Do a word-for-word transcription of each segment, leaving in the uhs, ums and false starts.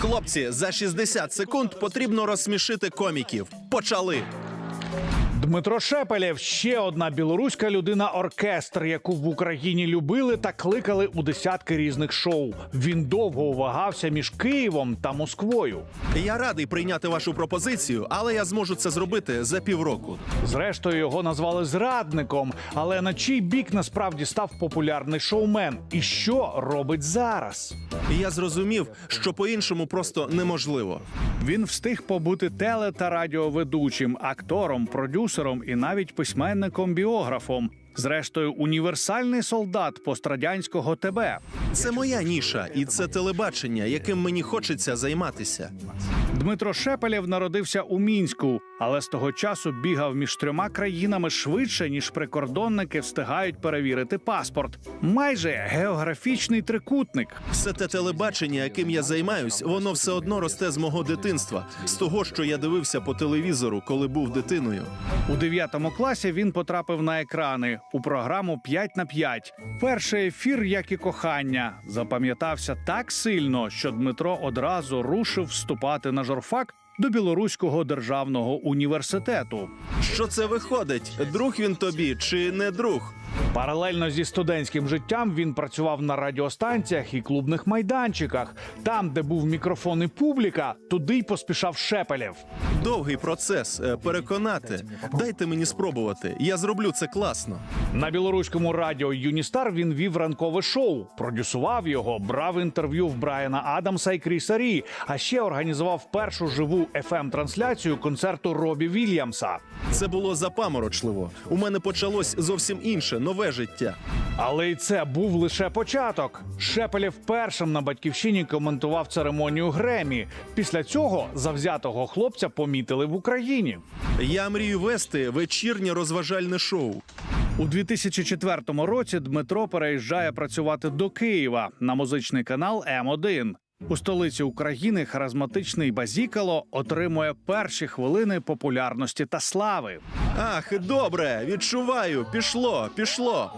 Хлопці, за шістдесят секунд потрібно розсмішити коміків. Почали! Дмитро Шепелєв – ще одна білоруська людина-оркестр, яку в Україні любили та кликали у десятки різних шоу. Він довго вагався між Києвом та Москвою. Я радий прийняти вашу пропозицію, але я зможу це зробити за півроку. Зрештою, його назвали зрадником. Але на чий бік насправді став популярний шоумен? І що робить зараз? Я зрозумів, що по-іншому просто неможливо. Він встиг побути теле- та радіоведучим, актором, продюсером і навіть письменником-біографом. Зрештою, універсальний солдат пострадянського ТБ. Це моя ніша, і це телебачення, яким мені хочеться займатися. Дмитро Шепелєв народився у Мінську, але з того часу бігав між трьома країнами швидше, ніж прикордонники встигають перевірити паспорт. Майже географічний трикутник. Все те телебачення, яким я займаюсь, воно все одно росте з мого дитинства, з того, що я дивився по телевізору, коли був дитиною. У дев'ятому класі він потрапив на екрани у програму «п'ять на п'ять». Перший ефір, як і кохання, запам'ятався так сильно, що Дмитро одразу рушив вступати на журфак до Білоруського державного університету. Що це виходить? Друг він тобі чи не друг? Паралельно зі студентським життям він працював на радіостанціях і клубних майданчиках. Там, де був мікрофон і публіка, туди й поспішав Шепелєв. Довгий процес е, переконати. Дайте мені спробувати. Я зроблю це класно. На білоруському радіо «Юністар» він вів ранкове шоу, продюсував його, брав інтерв'ю в Брайана Адамса і Кріса Рі, а ще організував першу живу еф ем-трансляцію концерту Робі Вільямса. Це було запаморочливо. У мене почалось зовсім інше, нове життя. Але й це був лише початок. Шепелєв першим на «Батьківщині» коментував церемонію Гремі. Після цього завзятого хлопця помітили в Україні. Я мрію вести вечірнє розважальне шоу. У дві тисячі четвертому році Дмитро переїжджає працювати до Києва на музичний канал ем один. У столиці України харизматичний Базікало отримує перші хвилини популярності та слави. Ах, добре, відчуваю, пішло, пішло.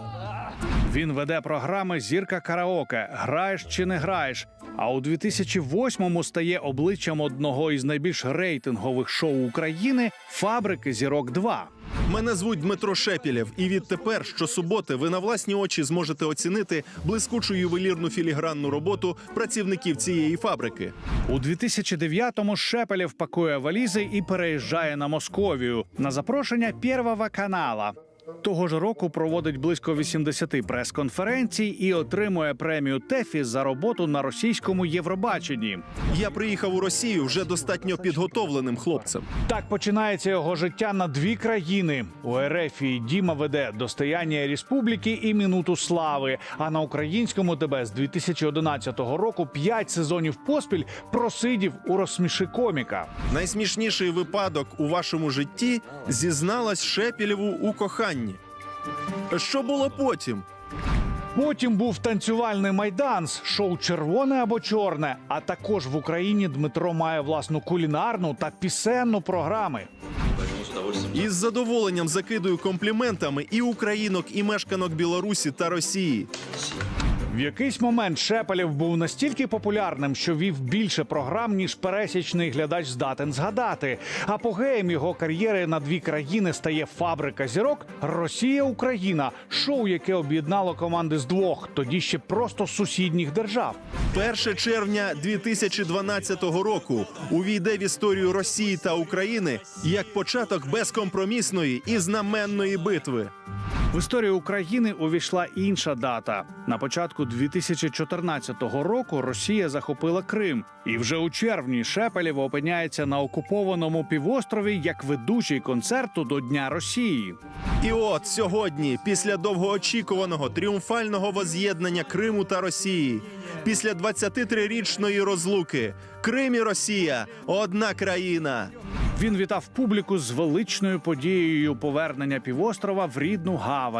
Він веде програми «Зірка караоке», «Граєш чи не граєш», а у дві тисячі восьмому стає обличчям одного із найбільш рейтингових шоу України «Фабрики зірок два». Мене звуть Дмитро Шепелєв, і відтепер щосуботи ви на власні очі зможете оцінити блискучу ювелірну філігранну роботу працівників цієї фабрики. У дві тисячі дев'ятому Шепелєв пакує валізи і переїжджає на Московію на запрошення Первого канала. Того ж року проводить близько вісімдесяти прес-конференцій і отримує премію ТЕФІ за роботу на російському Євробаченні. Я приїхав у Росію вже достатньо підготовленим хлопцем. Так починається його життя на дві країни. У РФ Діма веде «Достояння Республіки» і «Минуту слави», а на українському ТБ з дві тисячі одинадцятого року п'ять сезонів поспіль просидів у «Розсміши коміка». Найсмішніший випадок у вашому житті зізналась Шепелєву у коханні. Що було потім? Потім був танцювальний майданс, шоу «Червоне або чорне», а також в Україні Дмитро має власну кулінарну та пісенну програми. Із задоволенням закидую компліментами і українок, і мешканок Білорусі та Росії. В якийсь момент Шепелєв був настільки популярним, що вів більше програм, ніж пересічний глядач здатен згадати. Апогеєм його кар'єри на дві країни стає «Фабрика зірок», «Росія-Україна», шоу, яке об'єднало команди з двох, тоді ще просто сусідніх держав. перше червня дві тисячі дванадцятого року увійде в історію Росії та України як початок безкомпромісної і знаменної битви. В історію України увійшла інша дата. На початку дві тисячі чотирнадцятого року Росія захопила Крим. І вже у червні Шепелєв опиняється на окупованому півострові як ведучий концерту до Дня Росії. І от сьогодні, після довгоочікуваного тріумфального воз'єднання Криму та Росії, після двадцятитрирічної розлуки, Крим і Росія – одна країна. Він вітав публіку з величною подією повернення півострова в рідну гавань.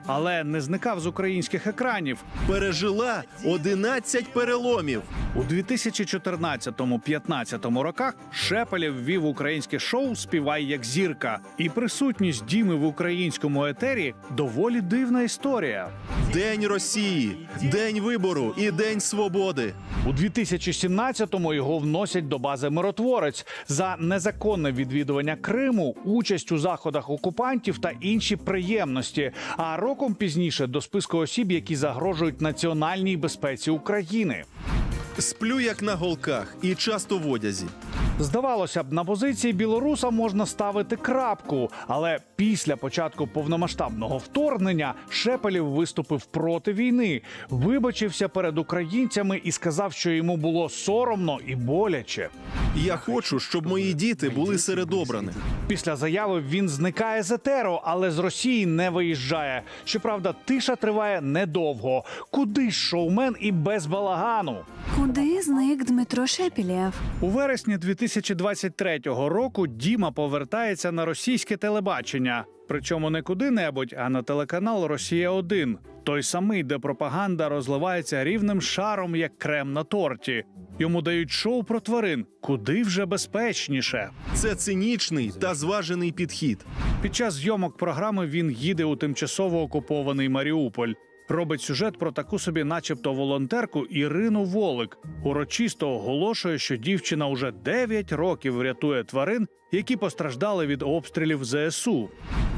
але не зникав з українських екранів. Пережила одинадцять переломів. У дві тисячі чотирнадцятому-п'ятнадцятому роках Шепелєв вів українське шоу «Співай як зірка». І присутність Діми в українському етері – доволі дивна історія. День Росії, День вибору і День свободи. У дві тисячі сімнадцятому його вносять до бази «Миротворець» за незаконне відвідування Криму, участь у заходах окупантів та інші приємності. А роком пізніше до списку осіб, які загрожують національній безпеці України. Сплю як на голках і часто в одязі. Здавалося б, на позиції білоруса можна ставити крапку, але після початку повномасштабного вторгнення Шепелєв виступив проти війни, вибачився перед українцями і сказав, що йому було соромно і боляче. Я хочу, щоб мої діти були серед обраних. Після заяви він зникає з етеру, але з Росії не виїжджає. Щоправда, тиша триває недовго. Куди ж шоумен і без балагану? Куди зник Дмитро Шепелєв? У вересні дві тисячі двадцять третього року Діма повертається на російське телебачення. Причому не куди-небудь, а на телеканал «Росія один». Той самий, де пропаганда розливається рівним шаром, як крем на торті. Йому дають шоу про тварин. Куди вже безпечніше. Це цинічний та зважений підхід. Під час зйомок програми він їде у тимчасово окупований Маріуполь. Робить сюжет про таку собі начебто волонтерку Ірину Волик. Урочисто оголошує, що дівчина уже дев'ять років рятує тварин, які постраждали від обстрілів зе ес у.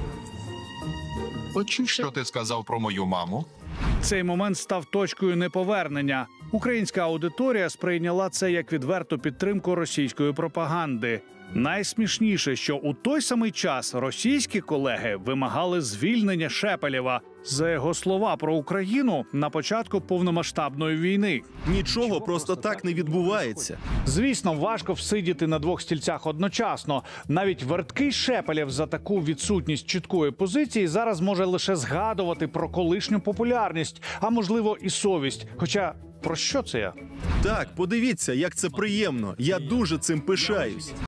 Почув, що ти сказав про мою маму? Цей момент став точкою неповернення. Українська аудиторія сприйняла це як відверту підтримку російської пропаганди. Найсмішніше, що у той самий час російські колеги вимагали звільнення Шепелєва за його слова про Україну на початку повномасштабної війни. Нічого просто так не відбувається. Звісно, важко всидіти на двох стільцях одночасно. Навіть верткий Шепелєв за таку відсутність чіткої позиції зараз може лише згадувати про колишню популярність, а можливо і совість. Хоча про що це я? Так, подивіться, як це приємно. Я дуже цим пишаюсь.